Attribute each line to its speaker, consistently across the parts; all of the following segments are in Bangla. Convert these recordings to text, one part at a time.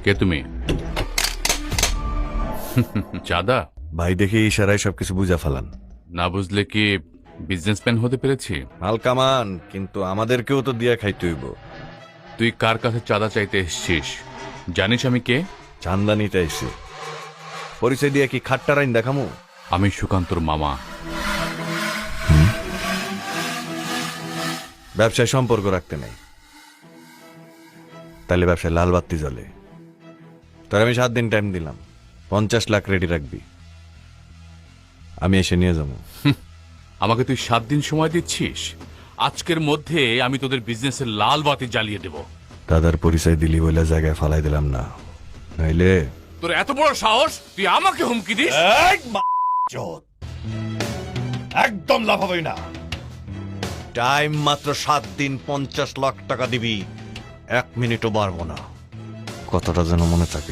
Speaker 1: কে তুমি? চাঁদা?
Speaker 2: ভাই দেখে ইশারায় সবকিছু বুঝা ফেলান।
Speaker 1: না বুঝলে কি বিজনেসম্যান হতে পেরেছি?
Speaker 2: হালকামান, কিন্তু আমাদেরকেও তো দিয়া খাইতে হইব।
Speaker 1: তুই কার কাছে চাঁদা চাইতে এসছিস জানিস আমি কে?
Speaker 2: চান্দানিটা এসে পরিচয় দিয়া কি খাট্টা রাইন দেখামু?
Speaker 1: আমি সুকান্তর মামা।
Speaker 2: ব্যবসায় সম্পর্ক রাখতে নাই, তাহলে ব্যবসায় লাল বাতি জ্বলে। তোর আমি 7 দিন টাইম দিলাম, 50 লাখ রেডি রাখবি, আমি এসে নিয়ে যাবো।
Speaker 1: আমাকে তুই 7 দিন সময় দিচ্ছিস? আজকের মধ্যে আমি তোদের বিজনেসের লাল বাতি জ্বালিয়ে দেব।
Speaker 2: দাদার পরিচয় দিলি বলে জায়গায় ফালাই দিলাম না, নাইলে
Speaker 1: তোর এত বড় সাহস, তুই আমাকে হুমকি দিস?
Speaker 2: একদম লাভ হবে না। টাইম মাত্র 7 দিন, 50 লাখ টাকা দিবি, 1 মিনিটও বাড়বো না। কতটা যেন মনে থাকে।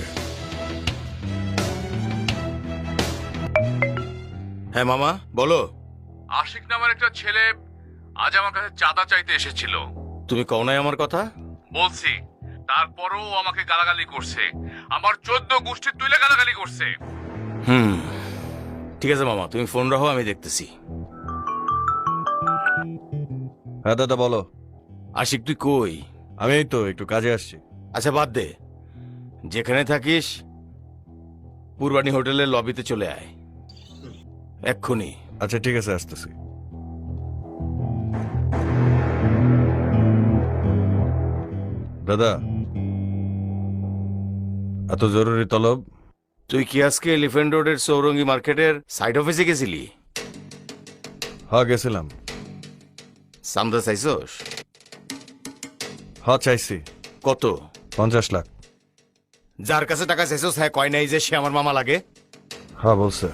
Speaker 3: হ্যাঁ মামা বলো।
Speaker 1: আশিক নামের একটা ছেলে আজ আমার কাছে চাঁদা চাইতে এসেছিল।
Speaker 3: তুমি কও নাই আমার কথা?
Speaker 1: বলছি, তারপরও আমাকে গালাগালি করছে, আমার 14 গোষ্ঠী তুলে গালাগালি করছে।
Speaker 3: ঠিক আছে মামা, তুমি ফোন রাখো, আমি দেখতেছি।
Speaker 2: হ্যাঁ দাদা বলো।
Speaker 3: আশিক তুই কই?
Speaker 2: আমি এই তো একটু কাজে আসছি।
Speaker 3: আচ্ছা বাদ দে, যেখানে থাকিস পূর্বাণী হোটেলের লবিতে চলে আয় এক্ষুনি।
Speaker 2: আচ্ছা ঠিক আছে, আসতেছি। দাদা, এত জরুরি তলব?
Speaker 3: তুই কি আজকে এলিফ্যান্ট রোডের সৌরঙ্গী মার্কেটের সাইড অফিসে গেছিলি?
Speaker 2: হ্যাঁ গেছিলাম।
Speaker 3: সামদা চাইছস?
Speaker 2: হ্যাঁ চাইছি।
Speaker 3: কত?
Speaker 2: 50 লাখ।
Speaker 3: যার কাছে টাকা চাইছস হ্যাঁ কয় নাই যে সে আমার মামা লাগে?
Speaker 2: হ্যাঁ বলছে।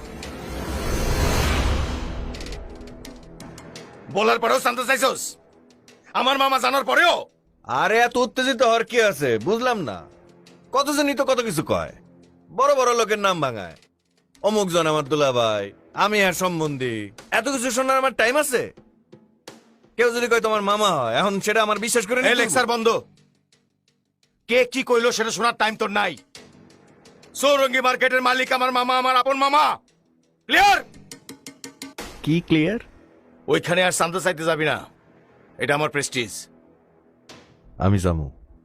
Speaker 3: বলার পরেও সামদা চাইছস? আমার মামা জানার পরেও?
Speaker 2: আরে এত উত্তেজিত হওয়ার কি আছে, বুঝলাম না। কতজনই তো কত কিছু কয়, বড় বড় লোকের নাম ভাঙায়। অমুক জন আমার দুলাভাই, আমি আর সম্বন্ধী, এত কিছু শোনার আমার টাইম আছে? কেউ যদি কয় তোমার মামা হয়, এখন সেটা আমার বিশ্বাস করে
Speaker 3: এই লেকচার বন্ধ। কে কি কইলো সেটা শোনার টাইম তোর নাই। সৌরঙ্গী মার্কেটের মালিক আমার মামা, আমার আপন মামা। ক্লিয়ার?
Speaker 2: কি ক্লিয়ার?
Speaker 3: ওইখানে আর শান্ত চাইতে যাবি না, এটা আমার প্রেস্টিজ।
Speaker 2: আমি যাবো।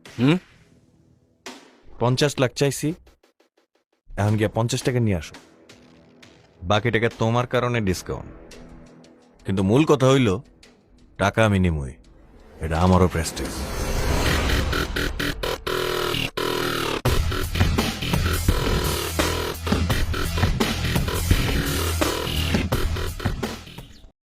Speaker 2: 50 লাখ চাইছি, এখন গিয়া 50 টাকা নিয়ে আসো, বাকি টাকা তোমার কারণে ডিসকাউন্ট। কিন্তু মূল কথা হইল টাকা আমি নিমই, এটা আমারও প্রেস্টিজ।